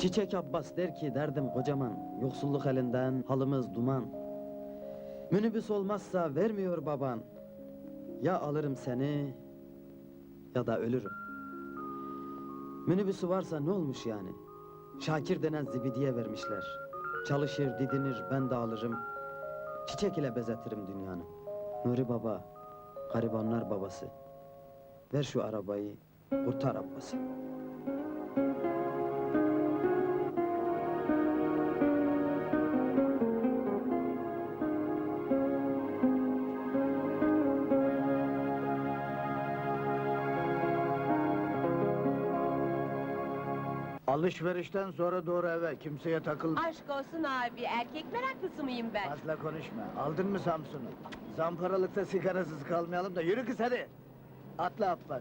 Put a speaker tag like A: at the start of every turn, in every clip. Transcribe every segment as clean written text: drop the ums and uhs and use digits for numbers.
A: Çiçek Abbas der ki derdim kocaman, yoksulluk elinden halımız duman. Minibüs olmazsa vermiyor baban, ya alırım seni ya da ölürüm. Minibüsü varsa ne olmuş yani? Şakir denen zibidiye vermişler. Çalışır, didinir, ben de alırım. Çiçek ile bezetirim dünyanı. Nuri Baba, garibanlar babası. Ver şu arabayı, kurtar Abbas'ı.
B: Alışverişten sonra doğru eve, kimseye takılma.
C: Aşk olsun abi, erkek meraklısı mıyım ben?
B: Fazla konuşma. Aldın mı Samsun'u? Zamparalıkta sigarasız kalmayalım da yürü kız hadi. Atla Abbas.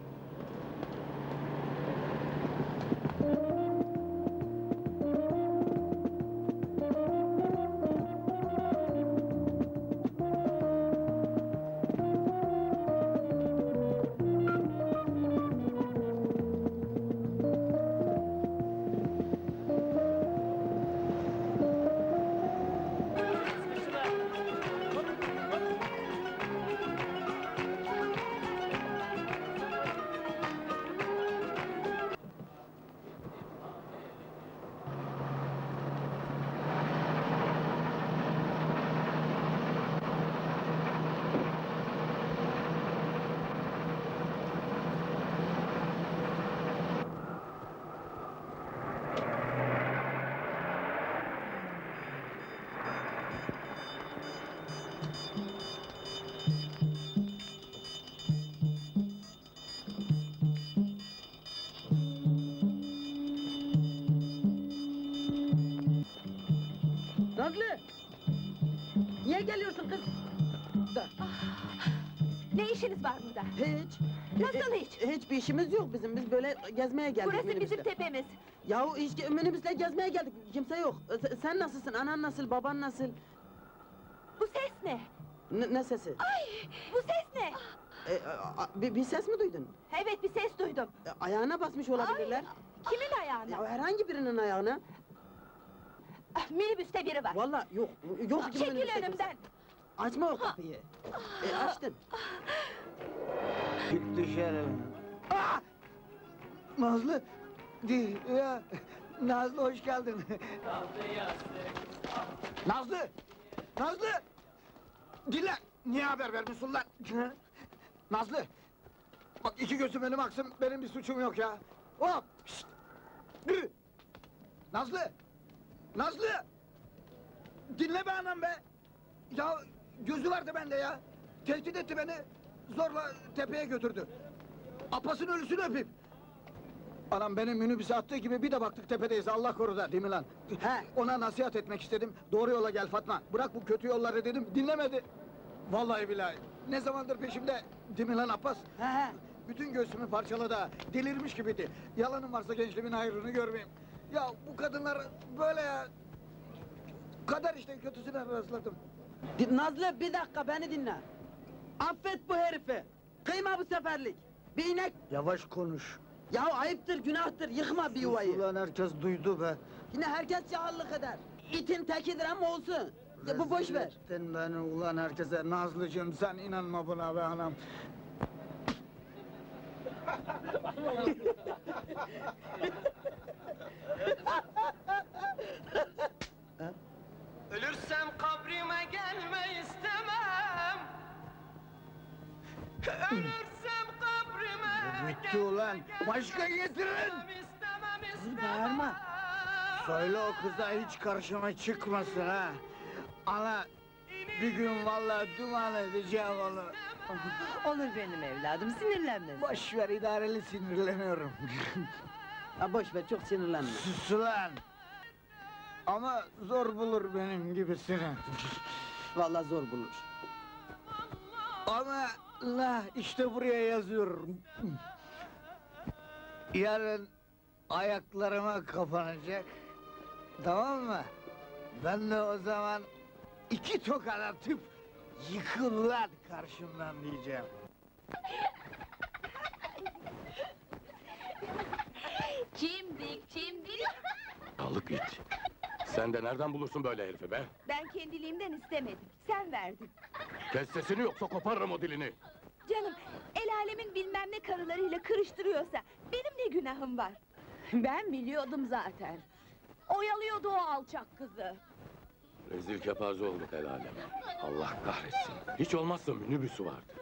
A: Nazlı! Niye geliyorsun kız?
C: Ne işiniz var burada?
A: Hiç.
C: Nasıl hiç?
A: Hiçbir işimiz yok bizim, biz böyle gezmeye geldik
C: Burası
A: minibüsle.
C: bizim tepemiz.
A: Yahu hiç minibüsle gezmeye geldik, kimse yok. Sen nasılsın, anan nasıl, baban nasıl?
C: Bu ses ne?
A: Ne sesi?
C: Ay, bu ses ne?
A: Bir ses mi duydun?
C: Evet, bir ses duydum.
A: Ayağına basmış olabilirler.
C: Kimin ayağına?
A: Ya herhangi birinin ayağına.
C: Minibüste biri var.
A: Vallahi yok, yok ki
C: Çekil
A: minibüste kimse.
C: önümden.
A: Açma o kapıyı. Açtın.
B: Çık dışarı. Ah! Nazlı! Ya! Nazlı hoş geldin. Nazlı! Nazlı! Dinle! Niye haber vermiyorsun lan? Nazlı! Bak iki gözüm önüme aksın, benim bir suçum yok ya. Hop! Şşt! Dur! Nazlı! Nazlı! Dinle be anam be! Ya gözü vardı bende ya! Tehdit etti beni, zorla tepeye götürdü. Abbas'ın ölüsünü öpeyim! Anam benim minibüse attığı gibi bir de baktık tepedeyiz, Allah koruda, değil mi lan?
A: He.
B: Ona nasihat etmek istedim, doğru yola gel Fatma, bırak bu kötü yolları dedim, dinlemedi! Vallahi billahi, ne zamandır peşimde, değil mi lan Abbas?
A: He.
B: Bütün göğsümü parçaladı ha, delirmiş gibiydi. Yalanım varsa gençliğimin hayrını görmeyeyim. Ya bu kadınlar böyle ya... Kader işte, kötüsüne rastladım.
A: Nazlı bir dakika beni dinle. Affet bu herifi. Kıyma bu seferlik. Bir inek.
B: Yavaş konuş.
A: Ya ayıptır, günahtır, yıkma bir yuvayı.
B: Ulan herkes duydu be.
A: Yine herkes cahillik eder. İtin tekidir ama olsun. Ya bu boş
B: Rezil
A: ver.
B: ettin beni ulan herkese. Nazlıcığım sen inanma buna be anam.
D: Ölürsem kabrime gelme istemem. Ölürsem kabrime
B: Bitti ulan. Başka getirin.
D: istemem.
A: Bağırma.
B: Söyle o kıza hiç karşıma çıkmasın ha. Ana bir gün vallahi duman edeceğim onu.
E: Olur benim evladım, sinirlenme.
B: Boş ver idareli sinirleniyorum.
A: Ha boş ver, çok sinirlenme.
B: Sus ulan. Ama zor bulur benim gibisini.
A: Vallahi zor bulur.
B: Ama la işte buraya yazıyorum. Yarın ayaklarıma kapanacak. Tamam mı? Ben de o zaman iki tokat atıp yıkıl lan karşımdan diyeceğim.
C: Çimdik, çimdik.
F: Aşağılık it! Sen de nereden bulursun böyle herifi be?
C: Ben kendiliğimden istemedim. Sen verdin.
F: Kes sesini yoksa koparırım o dilini!
C: Canım, el alemin bilmem ne karılarıyla kırıştırıyorsa benim ne günahım var? Ben biliyordum zaten. Oyalıyordu o alçak kızı.
F: Rezil kepaze olduk el aleme. Allah kahretsin! Hiç olmazsa minibüsü vardı.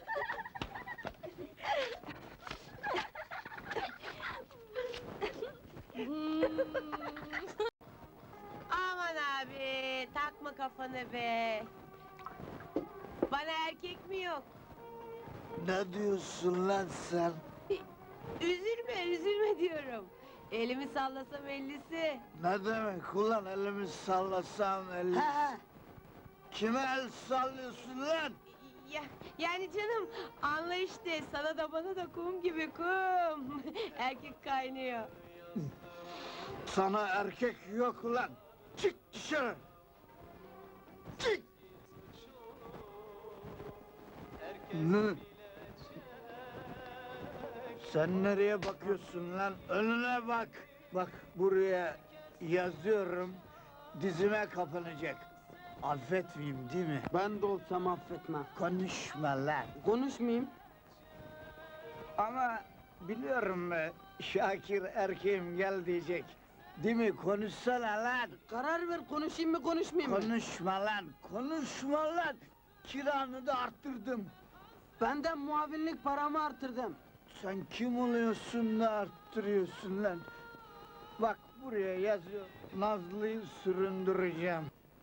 E: Aman abi, takma kafanı be! Bana erkek mi yok?
B: Ne diyorsun lan sen?
E: Üzülme, üzülme diyorum. Elimi sallasam ellisi.
B: Ne demek ulan elimi sallasam elli... Kime el sallıyorsun lan?
E: Ya, yani canım, anla işte, sana da bana da kum gibi kum. Erkek kaynıyor.
B: Sana erkek yok ulan! Çık dışarı! Çık! Ne? Sen nereye bakıyorsun lan? Önüne bak! Bak buraya yazıyorum, dizime kapanacak. Affetmeyeyim değil mi?
A: Ben de olsam affetmem.
B: Konuşma lan!
A: Konuşmayayım.
B: Ama biliyorum be, Şakir erkeğim gel diyecek. Değil mi? Konuşsana lan!
A: Karar ver, konuşayım mı konuşmayayım mı?
B: Konuşma lan! Konuşma lan! Kiranı da arttırdım.
A: Benden muavinlik paramı artırdım.
B: Sen kim oluyorsun da arttırıyorsun lan? Bak buraya yazıyor, Nazlı'yı süründüreceğim.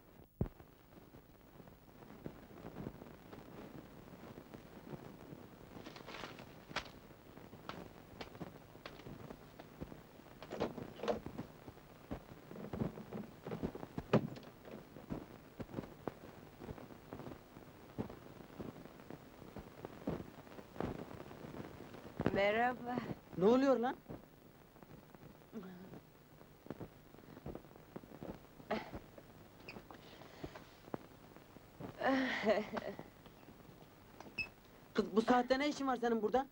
E: Merhaba.
A: Ne oluyor lan? Kız bu saatte ne işin var senin burada?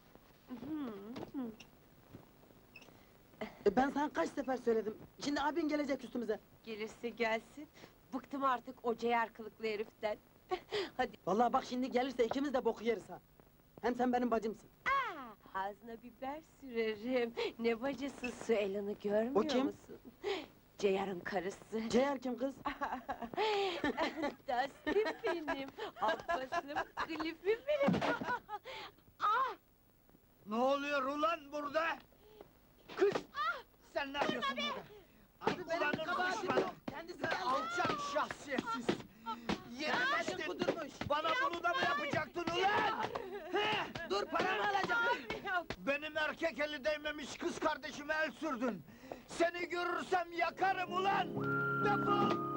A: Ben sana kaç sefer söyledim. Şimdi abin gelecek üstümüze.
E: Gelirse gelsin. Bıktım artık o ceyar kılıklı heriften. Hadi.
A: Vallahi bak şimdi gelirse ikimiz de boku yeriz ha. Hem sen benim bacımsın.
E: Ağzına biber sürerim. Ne bacısı su Elan'ı görmüyor
A: O kim?
E: musun? Ceyar'ın karısı.
A: Ceyher kim kız?
E: Dustin benim. Abbasım, Cliff'im benim.
B: Ne oluyor ulan burada? Kız! Sen ne yapıyorsun burada?
A: Abi benim
B: Ulanın
A: kabahatim
B: düşmanı!
A: yok. Kendisi geldi.
B: Alçak şahsiyetsiz!
A: Bacım
B: Yenemezsin!
A: kudurmuş.
B: Bana bunu da mı yapacaktın ulan? He?
A: Dur paramı alacağım.
B: Benim erkek eli değmemiş kız kardeşime el sürdün! Seni görürsem yakarım ulan! Defol!